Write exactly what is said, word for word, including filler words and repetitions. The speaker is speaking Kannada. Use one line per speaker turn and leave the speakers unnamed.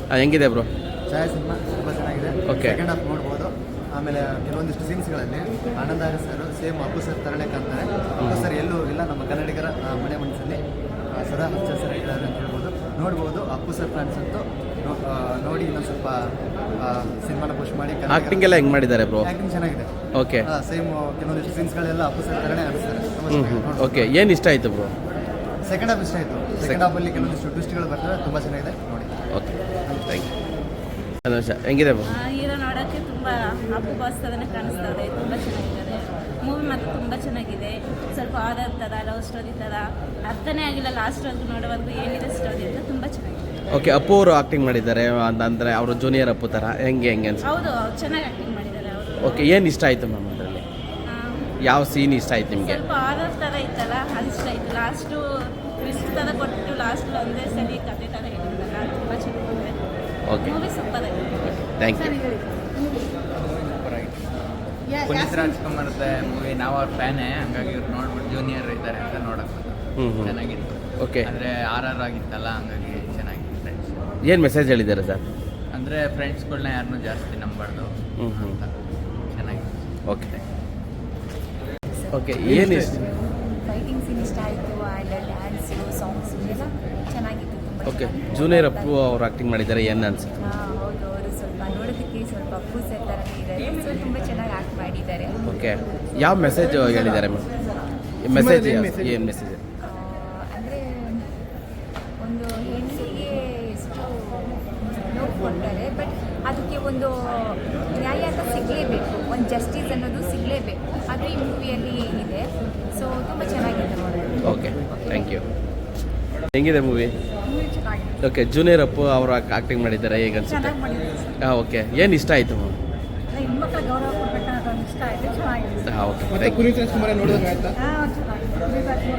ಹೆಂಗಿದೆ ಬ್ರೋ?
ಛಾಯಾ ಸಿನಿಮಾ ತುಂಬ ಚೆನ್ನಾಗಿದೆ.
Okay.
ಸೆಕೆಂಡ್ ಹಾಫ್ ನೋಡ್ಬೋದು. ಆಮೇಲೆ ಕೆಲವೊಂದಿಷ್ಟು ಸೀನ್ಸ್ಗಳಲ್ಲಿ Ananda Hari sir same Appu sir ತರಳೆ ಕಾಣ್ತಾರೆ. ಅಪ್ಪು ಸರ್ ಎಲ್ಲೂ ಇಲ್ಲ, ನಮ್ಮ ಕನ್ನಡಿಗರ ಆ, ಮನೆ ಮನಸ್ಸಲ್ಲಿ ಆ, ಸದಾ ಹಚ್ಚ ಹಸಿರಾಗಿದ್ದಾರೆ ಅಂತ ಹೇಳ್ಬೋದು. ನೋಡ್ಬೋದು ಅಪ್ಪು ಸರ್ ಫ್ಯಾನ್ಸ್ ಅಂತೂ ನೋ- ಆ, ನೋಡಿ ಇನ್ನೊಂದು ಸ್ವಲ್ಪ ಸಿನಿಮಾನ ಪುಷ್ ಮಾಡಿ.
ಆಕ್ಟಿಂಗ್ ಎಲ್ಲ ಹೆಂಗೆ ಮಾಡಿದ್ದಾರೆ ಬ್ರೋ?
ಆ್ಯಕ್ಟಿಂಗ್ ಚೆನ್ನಾಗಿದೆ.
ಓಕೆ
ಸೇಮ್ ಕೆಲವೊಂದಿಷ್ಟು ಸೀನ್ಸ್ಗಳೆಲ್ಲ ಅಪ್ಪು ಸರ್ ತರಳೆ ಅನಿಸ್ತಾರೆ.
ಹ್ಞೂ ಹ್ಞೂ ಓಕೆ. ಏನು ಇಷ್ಟ ಆಯಿತು ಬ್ರೋ?
ಸೆಕೆಂಡ್ ಹಾಫ್ ಇಷ್ಟ ಆಯಿತು. ಸೆಕೆಂಡ್ ಹಾಫಲ್ಲಿ ಕೆಲವೊಂದಿಷ್ಟು ಟ್ವಿಸ್ಟ್ಗಳು ಬರ್ತವೆ, ತುಂಬ ಚೆನ್ನಾಗಿದೆ ನೋಡಿ.
Okay thank you. ಒಂದು ನಿಮಿಷ, ಹೆಂಗಿದೆ ಬ್ರೋ?
ಹೀರೋ ನೋಡೋಕ್ಕೆ ತುಂಬ ಅಪ್ಪು ಬಾಸ್ ಥರನೇ ಕಾಣಿಸ್ತದೆ, ತುಂಬ ಚೆನ್ನಾಗಿದ್ದಾರೆ. ಮೂವಿ ಮತ್ತು ತುಂಬ ಚೆನ್ನಾಗಿದೆ. ಸ್ವಲ್ಪ ಆಧಾರ್ ಥರ ಲವ್ ಸ್ಟೋರಿ ಥರ ಅರ್ಥನೇ ಆಗಿಲ್ಲ ಲಾಸ್ಟ್ವರೆಗೂ ನೋಡೋವರೆಗೂ ಏನಿದೆ ಸ್ಟೋರಿ ಅಂತ ತುಂಬ ಚೆನ್ನಾಗಿದೆ.
ಓಕೆ, ಅಪ್ಪು ಅವರು ಆಕ್ಟಿಂಗ್ ಮಾಡಿದ್ದಾರೆ ಅಂದರೆ ಅವರು ಜೂನಿಯರ್ ಅಪ್ಪು ಥರ ಹೆಂಗೆ ಹೆಂಗೆ ಅನ್ಸುತ್ತೆ?
ಹೌದು, ಅವ್ರು ಚೆನ್ನಾಗಿ ಆ್ಯಕ್ಟಿಂಗ್ ಮಾಡಿದ್ದಾರೆ ಅವರು.
ಓಕೆ, ಏನು ಇಷ್ಟ ಆಯಿತು ಮ್ಯಾಮ್ ಅದರಲ್ಲಿ? ಯಾವ ಸೀನ್ ಇಷ್ಟ ಆಯ್ತು ನಿಮಗೆ?
ಸ್ವಲ್ಪ ಆಧಾರ್ ಥರ ಇತ್ತಲ್ಲ, ಅದು ಇಷ್ಟ ಆಯಿತು. ಲಾಸ್ಟು ಟ್ವಿಸ್ಟ್ ಥರ ಕೊಟ್ಟು ಲಾಸ್ಟ್ ಒಂದೇ ಸರಿ ಕತೆ ಥರ ಹೇಳಿದ್ರಲ್ಲ, ತುಂಬ ಚೆನ್ನಾಗಿದೆ.
ಓಕೆ
ಮೂವಿ ಸೂಪರ್ ಆಗಿದೆ.
Thank you.
ಪುನೀತ್ ರಾಜ್ಕುಮಾರ್ದ ಮೂವಿ ನಾವು ಅವ್ರ ಫ್ಯಾನೇ, ಹಂಗಾಗಿ ಇವ್ರು ನೋಡ್ಬಿಟ್ಟು ಜೂನಿಯರ್ ಇದ್ದಾರೆ ಅಂತ ನೋಡಕ್ಕೆ
ಹ್ಞೂ ಹ್ಞೂ
ಚೆನ್ನಾಗಿತ್ತು.
ಓಕೆ,
ಅಂದರೆ ಆರ್ ಆರ್ ಆಗಿತ್ತಲ್ಲ, ಹಂಗಾಗಿ ಚೆನ್ನಾಗಿತ್ತು. ಫ್ರೆಂಡ್ಸ್
ಏನು ಮೆಸೇಜ್ ಹೇಳಿದ್ದಾರೆ ಸರ್?
ಅಂದರೆ ಫ್ರೆಂಡ್ಸ್ಗಳನ್ನ ಯಾರನ್ನೂ ಜಾಸ್ತಿ ನಂಬಾರ್ದು
ಹ್ಞೂ ಹ್ಞೂ
ಅಂತ ಚೆನ್ನಾಗಿತ್ತು.
Okay okay. ಏನು ಇಷ್ಟ?
ಫೈಟಿಂಗ್ ಸೀನ್ ಇಷ್ಟ ಆಯಿತು. ಆ್ಯಂಡ್ ಡ್ಯಾನ್ಸು ಸಾಂಗ್ಸು ಎಲ್ಲ ಚೆನ್ನಾಗಿತ್ತು, ತುಂಬ
ಓಕೆ, ಜೂನಿಯರ್ ಅಪ್ಪು ಅವ್ರು ಆಕ್ಟಿಂಗ್ ಮಾಡಿದ್ದಾರೆ, ಏನು ಅನ್ಸುತ್ತೆ?
ಹಾಂ ಹೌದು, ಅವರು ಸ್ವಲ್ಪ ನೋಡೋದಕ್ಕೆ ಸ್ವಲ್ಪ ಅಪ್ಪು ಸರ್ ಥರನೇ ಇದ್ದಾರೆ. ಸೊ ತುಂಬ ಚೆನ್ನಾಗಿ ಆ್ಯಕ್ಟ್ ಮಾಡಿದ್ದಾರೆ.
ಓಕೆ, ಯಾವ ಮೆಸೇಜ್ ಹೇಳಿದ್ದಾರೆ ಮ್ಯಾಮ್? ಮೆಸೇಜ್ ಏನು ಮೆಸೇಜ್?
ಅಂದರೆ ಒಂದು ಹೆಣ್ಣಿಗೆ ಎಷ್ಟು ನೋವು ಕೊಡ್ತಾರೆ, ಬಟ್ ಅದಕ್ಕೆ ಒಂದು ನ್ಯಾಯ ಅಂತ ಸಿಗಲೇಬೇಕು, ಒಂದು ಜಸ್ಟಿಸ್ ಅನ್ನೋದು ಸಿಗಲೇಬೇಕು. ಅದು ಈ ಮೂವಿಯಲ್ಲಿ ಇದೆ. ಸೊ ತುಂಬ ಚೆನ್ನಾಗಿದೆ ನೋಡೋದು.
Okay thank you. ಹೆಂಗಿದೆ ಮೂವಿ?
ಚೆನ್ನಾಗಿದೆ.
ಓಕೆ, ಜೂನಿಯರ್ ಅಪ್ಪು ಅವರು ಆಕ್ಟಿಂಗ್ ಮಾಡಿದ್ದಾರೆ, ಹೇಗೆ ಅನ್ಸುತ್ತೆ?
ಚೆನ್ನಾಗಿ ಮಾಡಿದ್ದಾರೆ.
ಹಾಂ ಓಕೆ, ಏನು ಇಷ್ಟ ಆಯಿತು ಮ್ಯಾಮ್?
ಹೆಣ್ಮಕ್ಳ ಗೌರವ ಕೊಡ್ಬೇಕನ್ನೋದು ಇಷ್ಟ ಆಯಿತು, ಚೆನ್ನಾಗಿದೆ.
ಹಾಂ ಓಕೆ
ಮತ್ತೆ
ಥ್ಯಾಂಕ್ ಯು.
ಪುನೀತ್ ರಾಜ್ಕುಮಾರ್ ನೋಡಿದಂಗೆ ಆಯ್ತಾ?
ಹಾಂ ಚೆನ್ನಾಗಿದೆ.